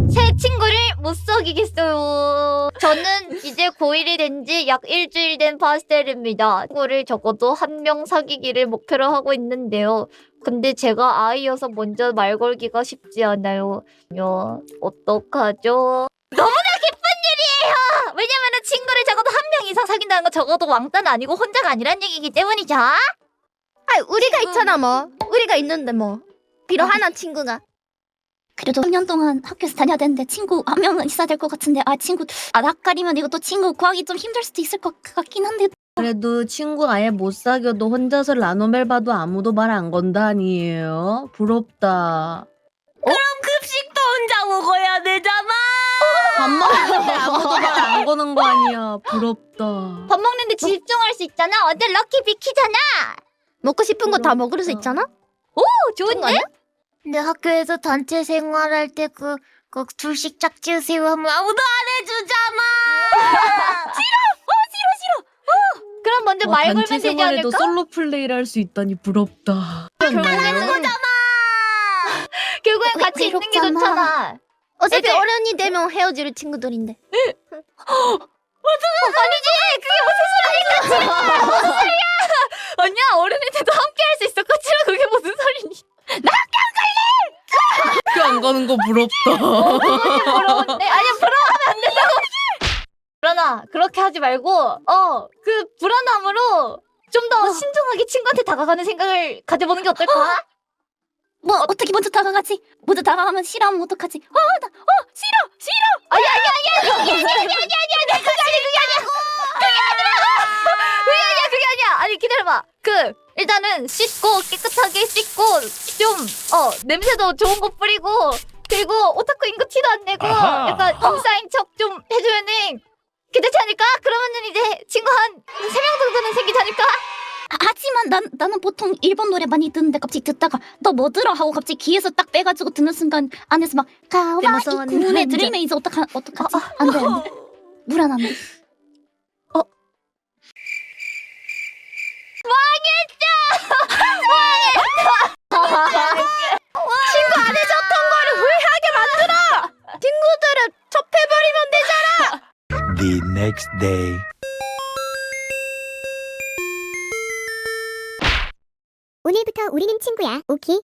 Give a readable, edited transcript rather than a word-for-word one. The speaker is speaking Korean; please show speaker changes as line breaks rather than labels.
새 친구를 못 사귀겠어요. 저는 이제 고1이 된 지 약 일주일 된 파스텔입니다. 친구를 적어도 한 명 사귀기를 목표로 하고 있는데요. 근데 제가 아이여서 먼저 말 걸기가 쉽지 않아요. 어떡하죠? 너무나 기쁜 일이에요! 왜냐면은 친구를 적어도 한 명 이상 사귄다는 건 적어도 왕따는 아니고 혼자가 아니란 얘기이기 때문이죠.
우리가 있잖아 뭐. 우리가 있는데 뭐. 필요하나 친구가.
그래도 3년 동안 학교에서 다녀야 되는데 친구 한 명은 있어야 될 것 같은데 낯가리면 이것도 친구 구하기 좀 힘들 수도 있을 것 같긴 한데
그래도 친구 아예 못 사귀어도 혼자서 라노벨 봐도 아무도 말 안 건다 아니에요? 부럽다.
급식도 혼자 먹어야 되잖아.
밥 먹는데 아무도 말 안 거는 거 아니야. 부럽다.
밥 먹는데 집중할 수 있잖아. 완전 럭키 비키잖아.
먹고 싶은 거 다 먹을 수 있잖아?
오, 좋은데?
근데 학교에서 단체 생활할 때 그 둘씩 짝지으세요 하면 아무도 안 해주잖아.
그럼 먼저 말 걸면
단체
되지
생활에도
않을까?
솔로 플레이를 할 수 있다니 부럽다.
결국엔 같이 있는 게
외롭잖아.
좋잖아.
어차피
애들-
어른이 되면 헤어질 친구들인데.
아니지, 그게 무슨 소리야? 아니야, 어른이 돼도 함께 할 수 있어. 까칠한 그게 무슨 소리니?
학교 안 가는 거 부럽다.
부러운데? 아니야, 부러워하면 안 된다고. 불안아, 그렇게 하지 말고, 그 불안함으로 좀 더 신중하게 친구한테 다가가는 생각을 가져보는 게 어떨까?
뭐 어떻게 먼저 다가가지? 먼저 다가가면 싫어하면 어떡하지? 싫어!
그게 아니야. 아니, 기다려봐. 일단은 씻고, 깨끗하게 씻고, 좀, 냄새도 좋은 거 뿌리고, 그리고 오타쿠인 거 티도 안 내고,
아하.
약간 인싸인 척 좀 해주면은, 괜찮지 않을까? 그러면은 이제 친구 한 3명 정도는 생기지 않을까?
하지만 나는 보통 일본 노래 많이 듣는데 갑자기 듣다가 너 뭐 들어? 하고 갑자기 귀에서 딱 빼가지고 듣는 순간 안에서 막 가와이
무서운
구네
남자.
들리면 이제 어떡하지? 안 돼. 불안한데.
친구 안 해줬던 거를 후회하게 만들어. 친구들은 접해버리면 되잖아.
The next day.
오늘부터 우리는 친구야. 오케이?